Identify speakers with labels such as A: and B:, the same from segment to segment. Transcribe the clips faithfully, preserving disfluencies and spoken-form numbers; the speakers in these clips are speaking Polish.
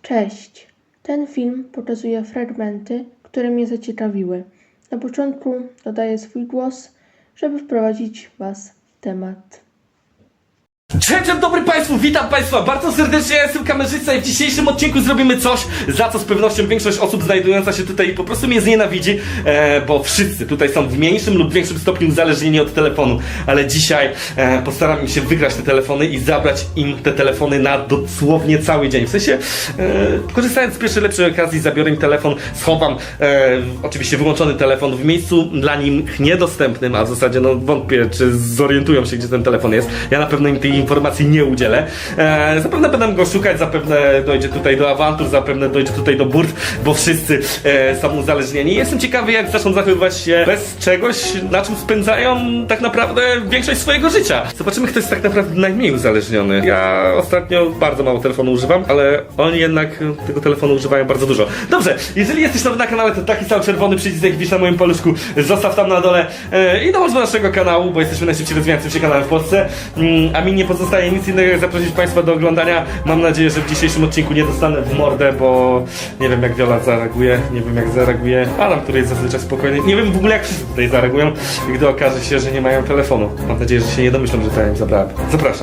A: Cześć! Ten film pokazuje fragmenty, które mnie zaciekawiły. Na początku dodaję swój głos, żeby wprowadzić Was w temat.
B: Cześć, dzień dobry Państwu, witam Państwa bardzo serdecznie, ja jestem kamerzysta i w dzisiejszym odcinku zrobimy coś, za co z pewnością większość osób znajdująca się tutaj po prostu mnie znienawidzi, e, bo wszyscy tutaj są w mniejszym lub większym stopniu uzależnieni od telefonu, ale dzisiaj e, postaram się wygrać te telefony i zabrać im te telefony na dosłownie cały dzień. W sensie, e, korzystając z pierwszej lepszej okazji, zabiorę im telefon, schowam e, oczywiście wyłączony telefon w miejscu dla nich niedostępnym, a w zasadzie no wątpię, czy zorientują się, gdzie ten telefon jest. Ja na pewno im tej informacji nie udzielę. E, zapewne będę go szukać, zapewne dojdzie tutaj do awantur, zapewne dojdzie tutaj do burt, bo wszyscy e, są uzależnieni. Jestem ciekawy, jak zaczną zachowywać się bez czegoś, na czym spędzają tak naprawdę większość swojego życia. Zobaczymy, kto jest tak naprawdę najmniej uzależniony. Ja ostatnio bardzo mało telefonu używam, ale oni jednak tego telefonu używają bardzo dużo. Dobrze, jeżeli jesteś nowy na kanale, to taki sam czerwony przycisk, jak widzisz na moim paluszku, zostaw tam na dole e, i dołącz do naszego kanału, bo jesteśmy najszybciej rozwijającym się kanałem w Polsce. Mm, a mi nie pozostaje nic innego, jak zaprosić Państwa do oglądania. Mam nadzieję, że w dzisiejszym odcinku nie dostanę w mordę, bo nie wiem, jak Wiola zareaguje, nie wiem, jak zareaguje Adam, który jest zazwyczaj spokojny. Nie wiem w ogóle, jak wszyscy tutaj zareagują, gdy okaże się, że nie mają telefonu. Mam nadzieję, że się nie domyślą, że to ja im zabrałem. Zapraszam.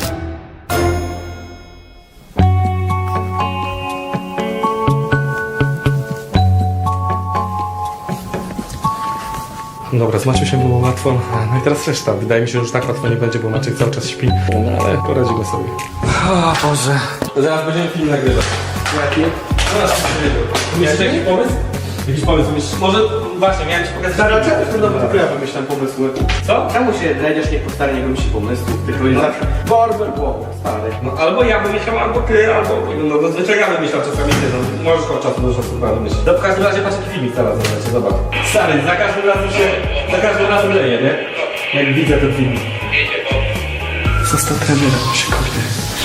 B: Dobra, z Maciusiem było łatwo, no i teraz reszta. Wydaje mi się, że już tak łatwo nie będzie, bo Maciek cały czas śpi, no ale poradzimy sobie. O Boże. Zaraz będziemy film nagrywać. Jaki? Zaraz się Miałeś jakiś pomysł? Jakiś pomysł myślisz? Może właśnie, miałem ci pokazać...
C: Stara, czemu w tym domu tylko ja wymyślam pomysły?
B: Co?
C: Czemu się znajdziesz nie po stary, nie wymyśli pomysłów, tylko jest zawsze Borber głową, stary.
B: No albo ja wymyślam, albo ty, albo... No zazwyczaj ja wymyślam, czasami ty, no możesz od czasu do czasu chyba wymyślić. No w każdym razie patrz jaki filmik teraz zobaczcie, zobacz. Stary, za każdym razem się... za każdym razem leje, nie? Jak widzę ten filmik. Został trenerem, się kopie.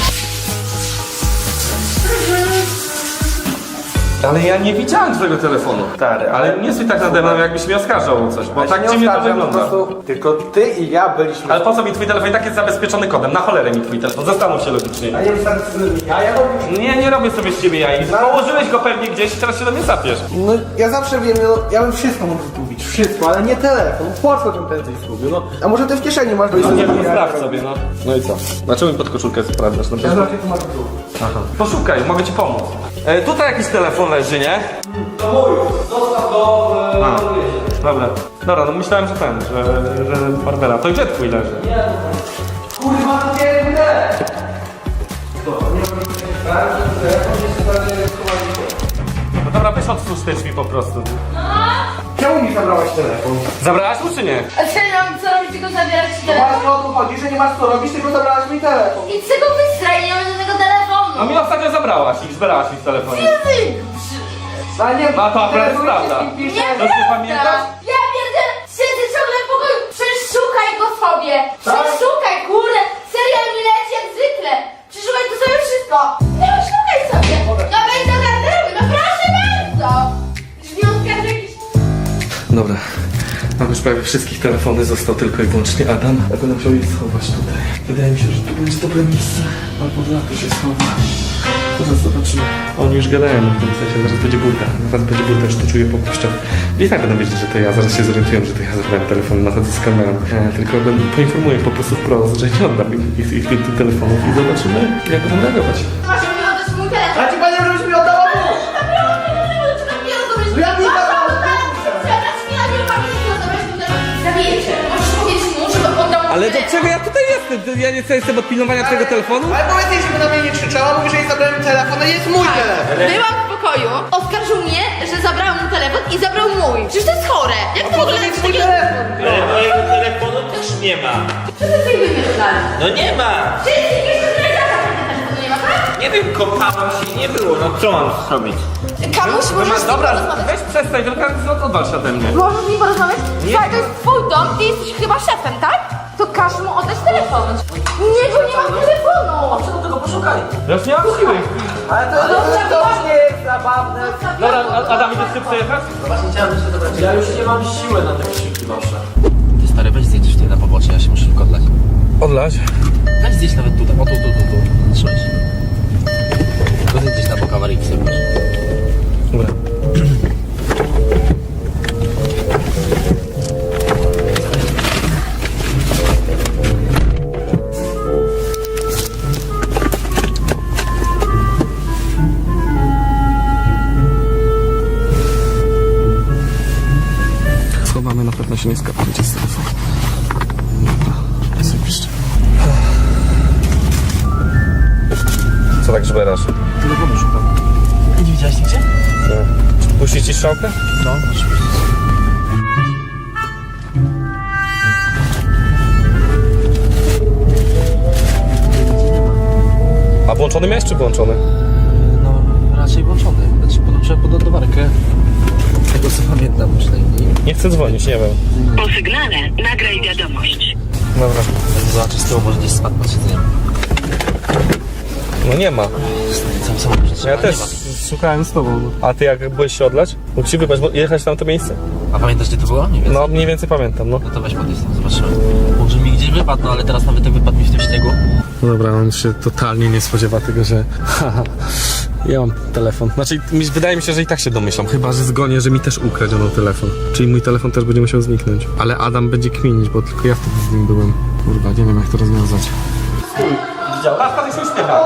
B: Ale ja nie widziałem twojego telefonu.
C: Stary,
B: Ale nie stój tak nade mną, jakbyś mnie oskarżał o coś, bo
C: Ja się
B: tak
C: nie
B: dziwnie to
C: oskarżam, po
B: wygląda.
C: prostu tylko ty i ja byliśmy...
B: Ale po co mi twój telefon? I tak jest zabezpieczony kodem. Na cholerę mi twój telefon. Zastanów się logicznie.
C: A nie wystarczy sobie ja, ja robię...
B: Nie, nie robię sobie z ciebie jaj. Położyłeś go pewnie gdzieś i teraz się do mnie zapiesz.
C: No ja zawsze wiem, no, ja bym wszystko mógł zgubić, wszystko, ale nie telefon. Po co bym prędzej zgubił, no? A może ty w kieszeni masz...
B: No nie, nie sprawdź sobie, no. No i co? Dlaczego mi pod koszulkę sprawdzasz? No,
C: Ja zawsze tu masz w dół.
B: aha. Poszukaj, mogę ci pomóc. E, tutaj jakiś telefon leży, nie?
C: To mój, zostaw go...
B: A, dobra. Dobra, no myślałem, że ten, że, że Barbera. To gdzie twój leży?
C: Kurwa, to nie mnie! To nie ma nic takiego, że telefon jest stary schowany.
B: No dobra, weź otwórz te drzwi po prostu.
C: Czemu mi zabrałaś telefon?
B: Zabrałaś mu czy nie?
D: A co ja mam co robić, tylko zabierać ci
C: No
D: telefon?
C: właśnie o to chodzi, że nie masz co robić, tylko zabrałaś mi telefon.
D: I z tego wystraj, nie mam żadnego telefonu!
B: No mi ostatnio zabrałaś i zbierałaś mi w telefonie.
D: Ty,
C: Ale nie,
B: No to akurat
C: telefon
B: prawda.
C: jest i pisze.
D: nie
B: To ty pamiętasz?
D: Ja pierdzę, siedzę ciągle w pokoju, przeszukaj go sobie!
C: Tak?
D: Przeszukaj, kurde! Serial mi leci jak zwykle! Przeszukaj to sobie wszystko! No szukaj sobie! No wejdź do garderoby, no proszę bardzo! Drzwi otwierasz jakiś...
B: Dobra, mam już prawie wszystkich telefony, został tylko i wyłącznie Adam. Ja będę musiał je schować tutaj. Wydaje mi się, że tu będzie dobre miejsce. Albo dla to się schowa. Zaraz zobaczymy. Oni już gadają w tym sensie, zaraz będzie burda. Zaraz będzie burda, już to czuję po puszczach. I tak będą wiedzieć, że to ja. Zaraz się zorientują, że to ja zabrałem telefon na chodzę z kamerą. E, tylko będę poinformuję po prostu wprost, że nie oddam ich, ich, ich tych telefonów i zobaczymy, jak będą reagować.
D: Masz mi oddać mój telefon!
C: A ci powiedział, żebyś mi oddała mu!
D: Ja
C: Ja nie zabrałam.
B: Ale do czego ja tutaj jestem? Ja nie jestem od pilnowania twojego telefonu?
C: Ale powiedz jej, żeby na mnie nie krzyczała, mówi, że jej zabrałem telefon, a jest mój telefon.
D: Byłam w pokoju, oskarżył mnie, że zabrałam mu telefon i zabrał mój. Przecież to jest chore. Jak to w ogóle jest
C: Mój
D: takie...
C: telefon.
E: Ale mojego telefonu też nie ma.
D: Co ty sobie wymyślasz?
E: No nie ma.
D: Wszyscy wiesz, że telefonu nie ma, tak?
E: Nie wiem, kopałem się i nie było. No co mam zrobić?
D: Kamuś, możesz z nim
B: Dobra,
D: porozmawiać.
B: weź przestań, tylko odwal się ode mnie.
D: Możesz z nim porozmawiać? Słuchaj, to jest twój dom, ty jesteś chyba szefem, tak? To każ mu oddać telefon. Nie, bo nie mam telefonu.
C: Co do tego poszukaj?
B: Ja już nie mam siły.
C: Ale to, to, to, to już nie jest zabawne.
B: Dobra, A- Adam, idziesz ty przejechać?
C: Właśnie chciałem jeszcze dobrać. Ja już nie mam siły na te krzyki wasze.
F: Ty stary, weź zjedź tutaj na pobocze, ja się muszę tylko odlać.
B: Odlać?
F: Weź zjedź nawet tutaj, o tu, tu, tu, tu. Trzymaj się. Tylko zjedź gdzieś na bok awaryjki sobie.
B: się nie skapujcie z telefonu. Dobra, ja sobie piszczę. Co tak żberasz?
F: Telefonu szukam. Nie widziałeś nigdzie?
B: Tak. Puścić ci strzałkę?
F: No, oczywiście.
B: A włączony miałeś czy włączony?
F: No, raczej włączony. Znaczy, podłączyłem pod ładowarkę. Tego co pamiętam przynajmniej.
B: Nie chcę dzwonić, nie wiem.
G: Po sygnale nagraj wiadomość.
B: Dobra.
F: Zobaczę z tyłu, może gdzieś spadł pod siedzeniem.
B: No nie ma.
F: Sam samochód
B: Ja też szukałem z tobą. A ty jak byłeś się odlać? Mógł ci wybrać, bo jechać na to miejsce?
F: A pamiętasz gdzie to było? Nie wiem.
B: No mniej więcej pamiętam, no.
F: No to weź podjedź tam, zobaczymy. Może mi gdzieś wypadł, no ale teraz nawet jak wypadł mi w tym śniegu.
B: Dobra, on się totalnie nie spodziewa tego, że haha, ja mam telefon. Znaczy, mi- wydaje mi się, że i tak się domyślam. Chyba, że zgonię, że mi też ukradziono telefon. Czyli mój telefon też będzie musiał zniknąć. Ale Adam będzie kminić, bo tylko ja wtedy z nim byłem. Kurwa, nie wiem jak to rozwiązać. Widział? Patrz, patrz, się uśmiecha.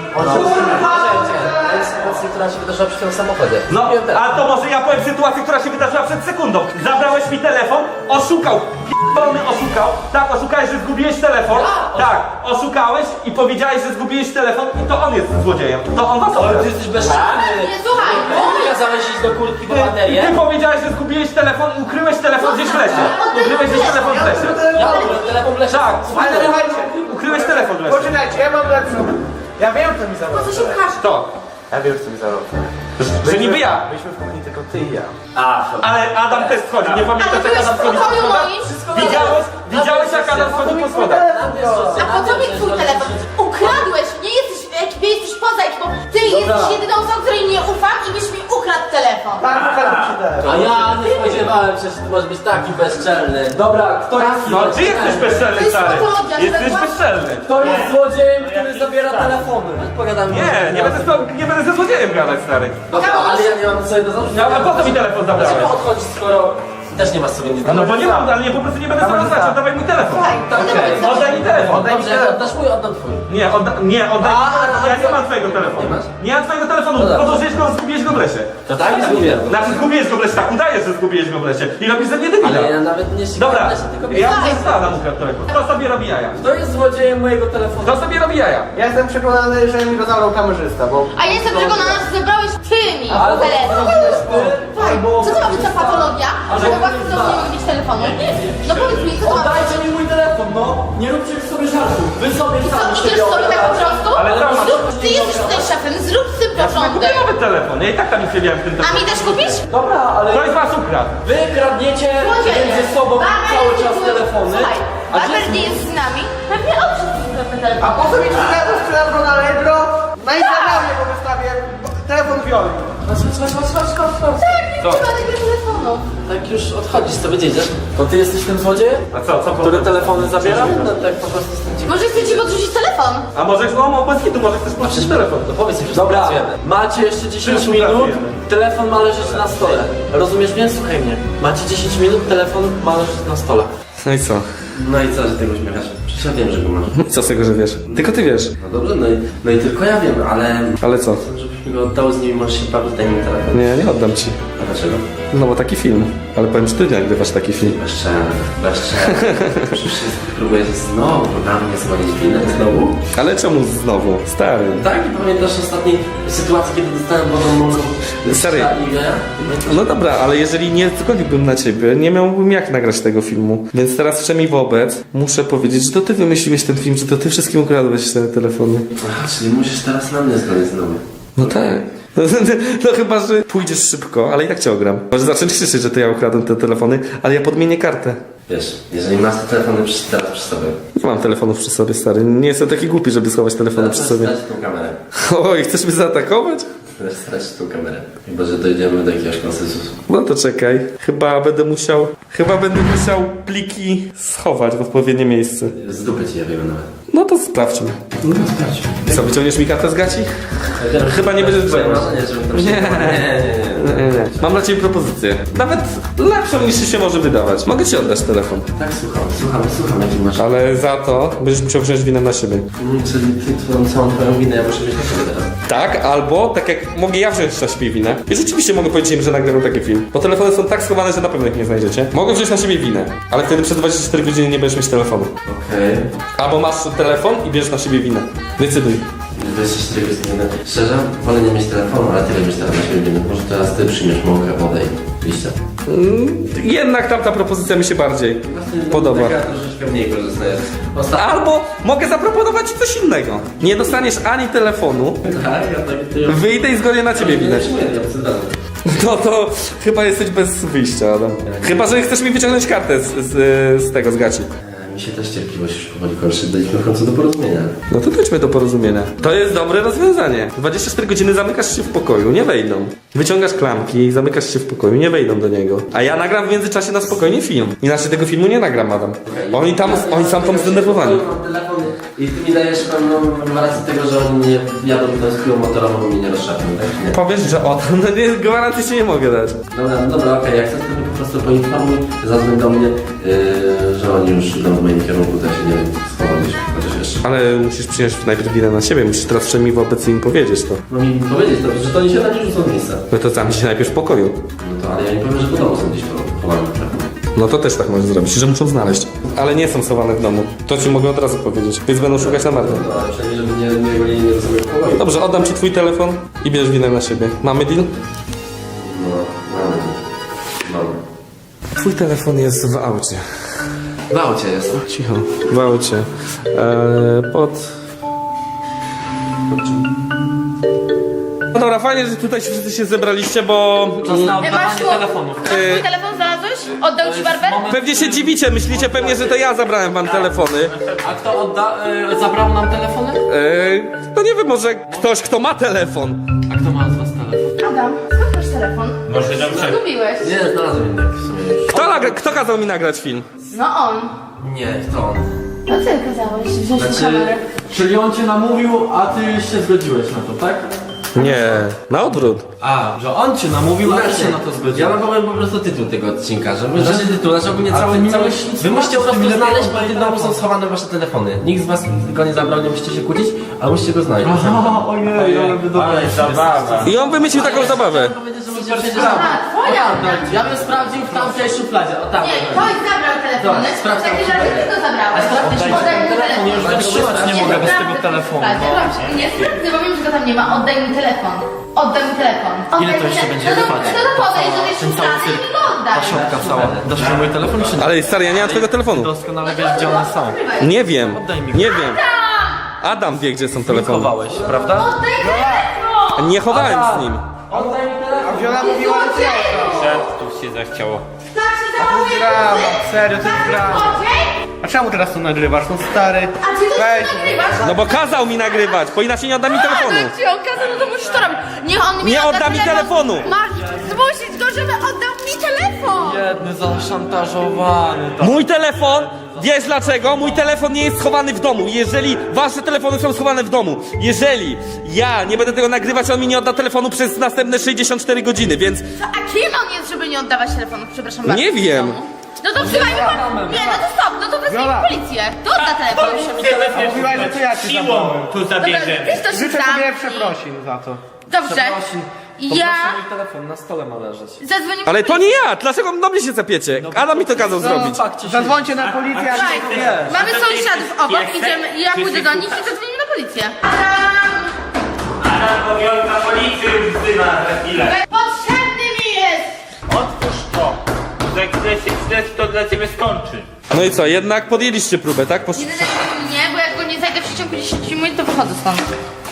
F: To jest sytuacja, która się wydarzyła przy tym samochodzie.
B: No, a to może ja powiem sytuację, która się wydarzyła przed sekundą. Zabrałeś mi telefon, oszukał, p***dolny oszukał. Tak, oszukałeś, że zgubiłeś telefon. Tak, oszukałeś i powiedziałeś, że zgubiłeś telefon i to on jest złodziejem. To on was
F: Ale
B: okradł.
F: ty jesteś bezczelny.
D: Nie, słuchaj,
F: Ty kazałeś iść do kurtki po
B: Ty,
F: baterię.
B: ty powiedziałeś, że zgubiłeś telefon i ukryłeś telefon gdzieś w lesie. Ukryłeś gdzieś telefon w lesie.
F: Ja ukryłem telefon w lesie.
B: Tak,
C: Ale słuchajcie,
B: ukryłeś telefon w lesie.
C: poczekajcie, ja mam lepszą. Ja wiem, kto mi
D: po
C: zabrał.
D: co się pchasz?
B: To,
C: Ja wiem, kto mi zabrał.
B: że niby ja.
C: Byliśmy w kuchni tylko ty i ja.
B: Ale Adam też schodzi, nie
D: Ale
B: pamiętasz
D: byłeś
B: jak Adam
D: w
B: schodzi po
D: pokoju
B: schodach?
D: moim?
B: Widziałeś, widziałeś jak Adam schodzi po schodach?
D: A po co mi twój telefon? Ukradłeś! Nie jesteś w ekipie, jesteś poza ekipą. Ty jesteś jedyną osobą, której nie ufam i byś mi ukradł telefon.
C: Tak, ukradł ci telefon.
F: A ja nie spodziewałem się, że ty możesz być taki bezczelny. Dobra, kto jest
B: No, ty jesteś bezczelny,
D: To jest
B: stary.
D: patologia,
B: Jesteś
D: że-
B: bezczelny.
F: Kto jest złodziejem, który zabiera telefony? Pogadamy.
B: Nie, nie będę, z tobą- nie będę ze złodziejem gadać, stary.
F: Dobra, ale ja nie mam sobie do zarzutu.
B: No, a po co mi telefon zabrałeś?
F: Dlaczego odchodzisz, skoro też nie masz sobie nic do
B: No bo nie mam, ale nie, po prostu nie będę sobie rozmawiać, oddawaj mój telefon.
F: Okej.
B: Oddaj mi telefon.
C: Oddaj mi
F: Dobrze, jak
C: telefon.
F: oddasz mój, oddam twój.
B: Nie, odda, nie, oddaj mi telefon, ja nie mam twojego telefonu.
F: Nie masz?
B: Nie mam twojego telefonu,
F: No dobrze.
B: podłożyłeś go, zgubiłeś go w lesie.
F: To tak? Zgubiłem.
B: Znaczy zgubiłeś go w lesie, tak udajesz, że zgubiłeś go w lesie. I robisz ze mnie debila.
F: Ale ja nawet nie ścigałem
B: Dobra,
F: się, tylko
B: ja
F: pisałem.
B: muszę Adam ukradł telefon. Kto sobie robi jaja?
F: Kto jest złodziejem mojego telefonu?
B: Kto sobie robi jaja?
C: Ja jestem przekonany, że mi go zabrał kamerzysta, bo...
D: A ja jestem przekonana, że zebrałeś ty mi
F: Albo
D: telefon.
F: zrobiłeś ty,
D: Tak,
F: albo...
D: co to ma być za patologia? Że we własnym domu nie mogę mieć telefonu? No powiedz mi, co to ma być?
F: Oddajcie mi mój telefon, no! Nie róbcie już sobie żartów. Wy sobie
D: Co,
F: sami
D: idziesz
F: siebie
D: sobie tak po
F: obrażacie.
D: prostu?
B: Ale co masz?
D: Zrób, ty jesteś tutaj szefem, zrób z tym
B: Ja sobie kupię
D: porządek.
B: nowy telefon. Ja i tak tam nic nie miałem w tym
D: A mi
B: telefonie.
D: też kupisz?
F: Dobra, ale
B: Ktoś z was ukradł.
F: wy kradniecie
D: Złodzieje.
F: między sobą
D: Barber
F: cały
D: nie
F: czas
D: był-
F: telefony.
D: Słuchaj,
F: A gdzie
D: Barber
F: jest
D: nie jest z nami. Pewnie on wszystko ukradł ten telefon.
C: A po co mi ci telefon sprzedał go na Allegro? Na Instagramie po wystawie telefon Violi.
F: Chodź, chodź, chodź, chodź, chodź, chodź.
D: Tak, nie
B: Co?
D: trzeba tego telefonu.
F: Tak już odchodzisz, co wiedzieć? To ty jesteś tym złodziejem?
B: A co, co
F: Który
B: potem?
F: telefony zabiera? No tak po prostu jestem ciekaw.
D: Może chcecie podrzucić telefon?
B: A możesz, no, bez hitu, może chcesz płacić telefon.
F: To powiedz mi, że
B: Dobra.
F: pracujemy. Macie jeszcze dziesięć
B: Wszyscy
F: minut,
B: pracujemy.
F: telefon ma leżeć na stole. Rozumiesz mnie? Słuchaj mnie. Macie dziesięć minut, telefon ma leżeć na stole.
B: No i co?
F: No i co, że tego uśmiechasz? Przecież ja wiem, że go masz.
B: Co z tego, że wiesz? Tylko ty wiesz.
F: No dobrze, no i, no i tylko ja wiem, ale...
B: Ale co?
F: Chcę, żebyś mi go oddał, z nimi możesz się bawić, daj mi telefon.
B: Nie, nie oddam ci.
F: A dlaczego?
B: No bo taki film. Ale powiem, że ty nagrywasz taki film.
F: Bezczelny, bezczelny. Przecież próbujesz znowu na mnie zwalić winę, znowu?
B: Ale czemu znowu? Stary.
F: Tak, i pamiętasz ostatniej sytuacji, kiedy dostałem wodą mąką?
B: Stary.
F: I ja?
B: No dobra, ale jeżeli nie zgodziłbym na ciebie, nie miałbym jak nagrać tego filmu. Więc teraz wszemi wobec muszę powiedzieć, że to ty wymyśliłeś ten film, że to ty wszystkim ukradłeś te telefony.
F: Aha, czyli musisz teraz na mnie zgodzić znowu.
B: No tak. No, no chyba, że pójdziesz szybko, ale i tak cię ogram. Może zacząć krzyczeć, że to ja ukradłem te telefony, ale ja podmienię kartę.
F: Wiesz, jeżeli masz te telefony przy, teraz przy sobie,
B: Nie mam telefonów przy sobie, stary. Nie jestem taki głupi, żeby schować telefony
F: to
B: przy sobie.
F: stracić tą kamerę.
B: Oj, chcesz mnie zaatakować?
F: Teraz stracić tą kamerę. Chyba, że dojdziemy do jakiegoś konsensusu.
B: No to czekaj. Chyba będę musiał... Chyba będę musiał pliki schować w odpowiednie miejsce.
F: Z dupy ci je wyjmę nawet.
B: No to sprawdźmy.
F: No sprawdź.
B: Co, wyciągniesz mi kartę z gaci? Chyba nie będziesz
F: Twoje
B: dzwonić.
F: marzenie, żebym tam się...
B: Nie.
F: Nie, nie, nie.
B: nie, nie. Mam dla ciebie propozycję. Nawet lepszą niż się może wydawać. Mogę ci oddać telefon.
F: Tak, słucham, słucham, słucham, jaki masz.
B: Ale za to będziesz musiał wziąć winę na siebie.
F: Czyli ty twoją całą twoją winę ja muszę wziąć na siebie teraz.
B: Tak, albo tak jak mogę ja wziąć na siebie winę. I rzeczywiście mogę powiedzieć im, że nagrywam taki film. Bo telefony są tak schowane, że na pewno ich nie znajdziecie. Mogę wziąć na siebie winę, ale wtedy przez dwadzieścia cztery godziny nie będziesz mieć telefonu.
F: Okej.
B: Albo masz telefon i bierzesz na siebie winę. Decyduj.
F: dwadzieścia cztery godziny. Szczerze, wolę nie mieć telefonu, ale ty będziesz teraz na siebie winny. Może teraz ty przyjmiesz mąkę, wodę i liścia.
B: Mm, jednak tamta propozycja mi się bardziej podoba.
F: Taka troszeczkę mniej korzystna jest. Ostatnio.
B: Albo mogę zaproponować ci coś innego. Nie dostaniesz ani telefonu,
F: Tak, ja tak ty...
B: wyjdę i zgonię na ciebie winę.
F: Nie, ja przyznam.
B: No to chyba jesteś bez wyjścia, Adam. Chyba, że chcesz mi wyciągnąć kartę z, z, z tego, z gaci.
F: Mi się też cierpliwość już powoli kończy. Dojdźmy w końcu do porozumienia.
B: No to dojdźmy do porozumienia. To jest dobre rozwiązanie. dwadzieścia cztery godziny zamykasz się w pokoju, nie wejdą. Wyciągasz klamki, zamykasz się w pokoju, nie wejdą do niego. A ja nagram w międzyczasie na spokojnie film. Inaczej tego filmu nie nagram, Adam. Oni tam, oni są tam zdenerwowani.
F: Mam telefon i ty mi dajesz pewną gwarancję tego, że oni nie jadą tą skórą motorową i mnie nie rozszapią, tak? Nie.
B: Powiesz, że o to, no nie, gwarancji się nie mogę dać.
F: Dobra, no dobra, okej, jak chcesz, to mnie po prostu poinformuj, zadzwoń do mnie, yy, że oni już idą w moim kierunku, tak się nie schowaliśmy, chociaż jeszcze.
B: Ale musisz przyjąć najpierw winę na siebie, musisz teraz przynajmniej wobec im powiedzieć to.
F: Mam im powiedzieć, to, że to oni się na nie rzucą w miejsce.
B: No to zamknij się najpierw w pokoju.
F: No to, ale ja nie powiem, że po domu są gdzieś chowane w telefon.
B: No to też tak możesz zrobić, że muszą znaleźć. Ale nie są schowane w domu. To ci mogę od razu powiedzieć, więc będą szukać na marne.
F: No, ale przynajmniej, żeby nie, nie golili mnie do sobie w pokoju.
B: Dobrze, oddam ci twój telefon i bierz winę na siebie. Mamy deal?
F: No, mamy. Mamy.
B: Twój telefon jest w aucie.
F: W aucie jest.
B: Cicho. W aucie. Eee, pod... No dobra, fajnie, że tutaj się wszyscy się zebraliście, bo...
D: E, masz tu,
E: telefonów.
D: masz twój telefon znalazłeś? Oddał ci barber?
B: Pewnie się dziwicie, myślicie pewnie, że to ja zabrałem wam telefony.
E: A kto odda, y, zabrał nam telefony?
B: Eee, no nie wiem, może ktoś, kto ma telefon.
E: A kto ma z was telefon?
D: Adam, skąd masz telefon?
E: Może dobrze.
D: Zgubiłeś.
F: Nie, znalazłem jednak w sumie już.
B: Kto, nagra- kto kazał mi nagrać film?
D: No on.
F: Nie, to on.
D: No ty kazałeś wziąć
E: Znaczy,
D: kamerę.
E: czyli on cię namówił, a ty się zgodziłeś na to, tak?
B: Nie, na odwrót.
E: A, że on cię namówił, a ty się na to
F: Ja
E: zgodziłeś.
F: wam powiem po prostu tytuł tego odcinka, żeby... Znaczy tytuł, znaczy ogólnie
E: A
F: cały...
E: ty nie
F: cały
E: miałeś nic
F: wy musicie po prostu
E: zobaczyć,
F: znaleźć,
E: nie
F: bo w tym
E: telefon.
F: domu są schowane wasze telefony. Nikt z was go nie zabrał, nie musicie się kłócić, ale musicie go znaleźć.
E: Aha, ojej, ale wy
F: Ale zabawa.
B: I on wymyślił taką zabawę.
D: Aha, twoja.
E: Ja bym sprawdził w tamtej szufladzie, o tam.
D: Nie, ktoś zabrał telefony.
F: Dobra, sprawdź
D: Takie
F: tam.
D: rzeczy ty go zabrałeś. Oddaj mi telefon.
E: Już wytrzymać nie mogę bez tego telefonu.
D: Dobrze, nie sprawdzę, bo wiem, że go tam nie ma. Oddaj mi telefon. Oddaj mi telefon.
E: Ile to jeszcze będzie trwać?
D: No to podejdź do tej szuflady i mi go oddaj.
E: Ta szopka cała. Dasz mi mój telefon czy nie?
B: Ale stary, ja nie mam twojego telefonu.
E: Doskonale wiesz, gdzie one są.
B: Nie wiem,
E: Oddaj mi.
B: nie wiem. Adam wie, gdzie są telefony.
E: Chowałeś, prawda?
D: Oddaj telefon!
B: Nie chowałem z nim.
C: Wiola mówiła, że ty
E: Tu się zachciało.
D: Tak się zachowuje
C: drama,
D: facet?
C: serio, to jest
D: Tak,
C: drama.
D: złodziej?
C: A czemu teraz to nagrywasz? No stary.
D: A ty to
C: Weź.
D: nagrywasz?
B: No bo kazał mi nagrywać, bo inaczej nie odda mi telefonu.
D: Jak ci okazał, no to musisz to robić. Niech on mi
B: Nie
D: odda
B: odda mi telefonu.
D: Masz zmusić go, żeby oddał mi telefon.
E: Jedny zaszantażowany. tak.
B: Mój telefon, wiesz dlaczego? Mój telefon nie jest schowany w domu. Jeżeli wasze telefony są schowane w domu, jeżeli ja nie będę tego nagrywać, on mi nie odda telefonu przez następne sześćdziesiąt cztery godziny, więc
D: Co, a kim on jest, żeby nie oddawać telefonu? Przepraszam bardzo.
B: Nie wiem.
D: w domu? No to wzywajmy po... Nie, no to stop, no to wezwijmy
C: Wiola.
D: policję. To odda telefon.
C: Mówiłaś, że to ja ci zabrałem.
E: Tu
D: Dobra, ty to się
C: Życzę tobie
D: zamknij.
C: przeprosin za to.
D: Dobrze.
E: Przeprosin.
D: Ja
E: Poproszę, mój telefon na stole ma leżeć.
D: zadzwonię
B: Ale
D: po
B: to
D: policję.
B: nie ja! Dlaczego do mnie się zapiecie? Adam mi to kazał zrobić.
E: Fakcie się...
C: Zadzwońcie na policję,
D: Słuchaj,
C: jak to wiesz.
D: mamy sąsiadów obok, idziemy, ja pójdę do nich i zadzwonimy na policję. Adam!
E: Adam, powiolka policji już wzywa za chwilę.
D: Potrzebny mi jest!
E: Otwórz to. Za chwilę się źle to dla ciebie skończy.
B: No i co, jednak podjęliście próbę, tak? Posz...
D: Nie denerwuj mnie, bo jak go nie znajdę w przeciągu dziesięć minut, to wychodzę stąd.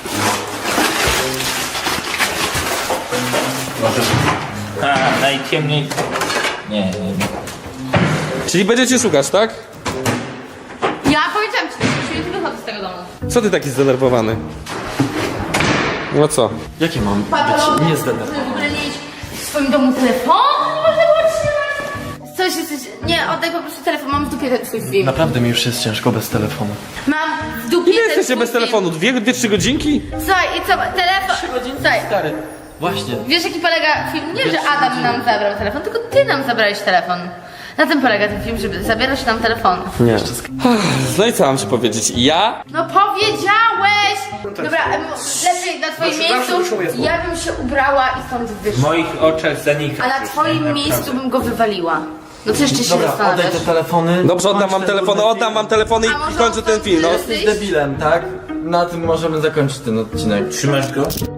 E: A, najciemniej... Nie, nie, nie.
B: Czyli będziecie szukać, tak?
D: Ja powiedziałam ci, że dziesięć minut i wychodzę z tego domu.
B: Co ty taki zdenerwowany? No co?
E: Jakie mam
D: Patologia,
E: być niezdenerwowany?
D: żeby w ogóle nie mieć w swoim domu telefonu, nie można było trzymać. Coś jesteś... Nie, oddaj po prostu telefon, mam w dupie ten twój film.
E: Naprawdę mi już jest ciężko bez telefonu.
D: Mam w dupie
B: Ile
D: ten
B: jesteście
D: twój
B: bez
D: film.
B: telefonu? Dwie, dwie, trzy godzinki?
D: Słuchaj, i co, telefon...
E: Trzy godziny,
D: Słuchaj,
E: stary.
H: Właśnie.
D: Wiesz, jaki polega film? Nie, że Adam nam zabrał telefon, tylko ty nam zabrałeś telefon. Na tym polega ten film, żeby zabierać nam telefon.
B: Nie. No i co mam ci powiedzieć? Ja?
D: No powiedziałeś! Dobra, em, lepiej na twoim
B: Zawsze- zawsze
D: miejscu
B: wyszło je
D: ja bym się ubrała i stąd
E: W
D: wyszła.
E: moich oczach zanika.
D: A na twoim miejscu bym go wywaliła. No co jeszcze się
H: Dobra, oddaj
D: zastanawiasz?
H: te telefony.
B: Dobrze, oddam
H: kończ
B: wam
H: ten
B: telefony,
H: durny
B: oddam
H: film.
B: wam telefony
D: A
B: i
D: może
B: kończę ten film, no.
D: odtąd
H: Jesteś debilem, tak? Na tym możemy zakończyć ten odcinek.
E: Trzymasz go?